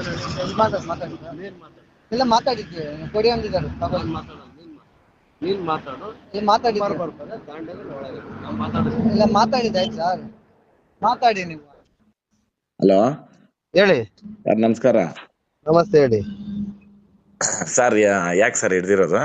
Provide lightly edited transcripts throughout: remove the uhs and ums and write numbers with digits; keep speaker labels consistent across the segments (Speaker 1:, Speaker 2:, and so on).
Speaker 1: ಇಲ್ಲ ಮಾತಾಡಿದ್ದೆ ಕೊಡಿ ಅಂದಿದ್ದಾರೆ ಇಲ್ಲ ಮಾತಾಡಿದ್ದೆ ಆಯ್ತು ಸರ್ ಮಾತಾಡಿ ನೀವು.
Speaker 2: ಹಲೋ
Speaker 3: ಹೇಳಿ
Speaker 2: ಸರ್, ನಮಸ್ಕಾರ.
Speaker 3: ನಮಸ್ತೆ ಹೇಳಿ
Speaker 2: ಸರ್, ಯಾಕೆ ಸರ್ ಹಿಡ್ದಿರೋದು?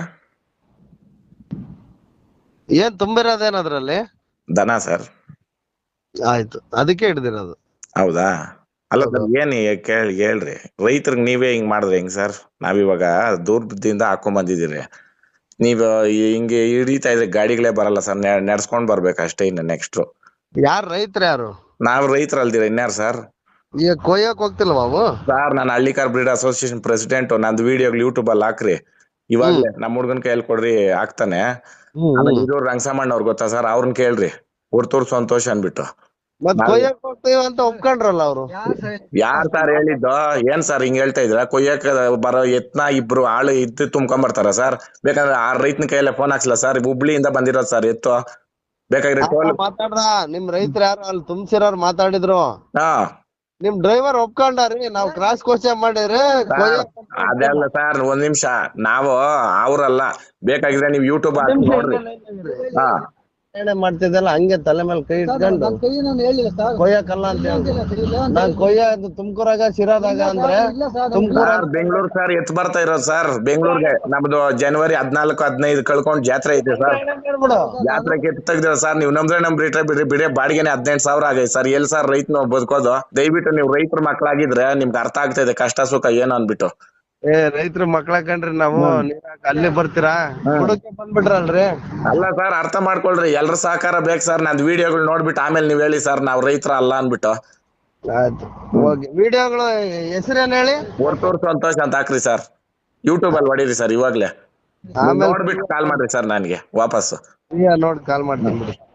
Speaker 3: ಏನ್ ತುಂಬಿರೋದೇನ ಅದ್ರಲ್ಲಿ?
Speaker 2: ದನ ಸರ್.
Speaker 3: ಆಯ್ತು, ಅದಕ್ಕೆ ಹಿಡ್ದಿರೋದು.
Speaker 2: ಹೌದಾ? ಅಲ್ಲ ಸರ್, ಏನ್ ಹೇಳ್ರಿ. ರೈತರಿಗೆ ನೀವೇ ಹಿಂಗ್ ಮಾಡಿದ್ರೆ ಹೆಂಗ್ ಸರ್? ನಾವಿವಾಗ ದೂರದಿಂದ ಹಾಕೊಂಡ್ ಬಂದಿದ್ದೀರಿ, ನೀವು ಹಿಂಗೆ ಹಿಡಿತಾ ಇದ್ರೆ ಗಾಡಿಗಳೇ ಬರಲ್ಲ ಸರ್. ನಡ್ಸ್ಕೊಂಡ್ ಬರ್ಬೇಕು ಅಷ್ಟೇ. ಇನ್ನು ನೆಕ್ಸ್ಟ್
Speaker 3: ಯಾರು ರೈತರ ಯಾರು?
Speaker 2: ನಾವ್ ರೈತರ ಅಲ್ದಿರ ಇನ್ಯಾರು ಸರ್?
Speaker 3: ಈಗ ಕೊಯ್ಯಕ್ ಹೋಗ್ತಿಲ್ವಾ ಅವು?
Speaker 2: ಸರ್, ನಾನು ಹಳ್ಳಿಕಾರ್ ಬ್ರೀಡ್ ಅಸೋಸಿಯೇಷನ್ ಪ್ರೆಸಿಡೆಂಟ್. ನಂದು ವಿಡಿಯೋಗಳು ಯೂಟ್ಯೂಬ್ ಅಲ್ಲಿ ಹಾಕ್ರಿ. ಇವಾಗ್ಲೇ ನಮ್ಮ ಹುಡ್ಗನ್ ಕೈಯಲ್ಲಿ ಕೊಡ್ರಿ, ಹಾಕ್ತಾನೆ. ಆಮೇಲೆ ಇದು ರಂಗಸಮಣ್ಣ ಅವ್ರು ಗೊತ್ತಾ ಸರ್? ಅವ್ರನ್ನ ಕೇಳ್ರಿ, ಹುಡ್ತೂರ್ ಸಂತೋಷ್ ಅನ್ಬಿಟ್ಟು.
Speaker 3: ಮತ್ ಕೊಯ್ಯಕ್ ಹೋಗ್ತೀವಿ ಅಂತ ಒಪ್ಕೊಂಡ್ರಲ್ಲ ಅವ್ರು.
Speaker 2: ಯಾರ್ ಸರ್ ಹೇಳಿದ್ದು? ಏನ್ ಸರ್ ಹಿಂಗ್ ಹೇಳ್ತಾ ಇದ್ರ? ಕೊಯ್ಯಕ್ ಬರೋ ಎತ್ನ ಇಬ್ರು ಆಳು ಇದ್ದು ತುಂಬ್ಕೊಂಡ್ ಬರ್ತಾರ ಸರ್? ಬೇಕಾದ್ರೆ ಆ ರೈತನ ಕೈಯಲ್ಲೇ ಫೋನ್ ಹಾಕ್ಸಲ ಸರ್? ಹುಬ್ಳಿಯಿಂದ ಬಂದಿರೋದು ಸರ್ ಎತ್ತು. ಬೇಕಾದ್ರೆ
Speaker 3: ಮಾತಾಡ್ದ ನಿಮ್ ರೈತರ ಯಾರು ಅಲ್ಲಿ ತುಂಬಿಸಿರೋರು ಮಾತಾಡಿದ್ರು.
Speaker 2: ಹಾ,
Speaker 3: ನಿಮ್ ಡ್ರೈವರ್ ಒಪ್ಕೊಂಡಾರಿ, ನಾವ್ ಕ್ರಾಸ್ ಕ್ವಶನ್ ಮಾಡಿದ್ರೆ
Speaker 2: ಅದೆಲ್ಲ ಸರ್. ಒಂದ್ ನಿಮಿಷ, ನಾವು ಅವ್ರಲ್ಲ. ಬೇಕಾಗಿದ್ರೆ ನೀವು ಯೂಟ್ಯೂಬ್ ನೋಡ್ರಿ. ಹಾ,
Speaker 3: ಮಾಡ್ತಿದ್ದಲ್ಲ ಹಂಗೆ ತಲೆ ಮೇಲೆ ಕೈ ಇಟ್ಕೊಂಡು ಕೊಯ್ಯಕಲ್ಲ ಅಂತ ನಾನ್ ಕೊಯ್ಯೋದು ತುಮಕೂರಾಗ ಶಿರಾದಾಗ ಅಂದ್ರೆ
Speaker 2: ಬೆಂಗಳೂರು ಸರ್ ಎತ್ ಬರ್ತಾ ಇರೋದು ಸರ್. ಬೆಂಗಳೂರಿಗೆ ನಮ್ದು ಜನವರಿ 14-15 ಕಳ್ಕೊಂಡ್ ಜಾತ್ರೆ ಐತೆ ಸರ್. ಜಾತ್ರೆಗೆ ಎತ್ ತೆಗ್ದಿರ ಸರ್. ನೀವು ನಮ್ದ್ರೆ ನಮ್ ಬಿಡಿ ಬಾಡಿಗೆನೆ 18,000 ಆಗೈತೆ ಸರ್. ಎಲ್ ಸರ್ ರೈತನ ಬದುಕೋದು? ದಯವಿಟ್ಟು ನೀವು ರೈತರ ಮಕ್ಳಾಗಿದ್ರೆ ನಿಮ್ಗೆ ಅರ್ಥ ಆಗ್ತಾ ಇದೆ ಕಷ್ಟ ಸುಖ ಏನು ಅನ್ಬಿಟ್ಟು.
Speaker 3: ರೈತರ ಮಕ್ಳ ಕಂಡ್ರಿ ನಾವು ಅಲ್ಲಿ ಬರ್ತೀರಾ ಹುಡುಕಿ ಬಂದ್ಬಿಟ್ರಲ್ರಿ.
Speaker 2: ಅಲ್ಲ ಸರ್, ಅರ್ಥ ಮಾಡ್ಕೊಳ್ರಿ. ಎಲ್ರ ಸಹಕಾರ ಬೇಕು ಸರ್. ನಂದ್ ವಿಡಿಯೋಗಳು ನೋಡ್ಬಿಟ್ಟು ಆಮೇಲೆ ನೀವ್ ಹೇಳಿ ಸರ್ ನಾವ್ ರೈತರ ಅಲ್ಲ ಅನ್ಬಿಟ್ಟು.
Speaker 3: ಆಯ್ತು, ಹೋಗಿ ವಿಡಿಯೋಗಳು ಹೆಸರೇನ್ ಹೇಳಿ?
Speaker 2: ಹೊರ್ತೂರ್ ಸಂತೋಷ್ ಅಂತ ಹಾಕ್ರಿ ಸರ್. ಯೂಟ್ಯೂಬ್ ಅಲ್ಲಿ ಹೊಡೀರಿ ಸರ್ ಇವಾಗ್ಲೇ. ನೋಡ್ಬಿಟ್ಟು ಕಾಲ್ ಮಾಡ್ರಿ ಸರ್ ನನ್ಗೆ ವಾಪಸ್.
Speaker 3: ನೋಡಿ ಕಾಲ್ ಮಾಡ್ತೀನಿ ಬಿಡಿ.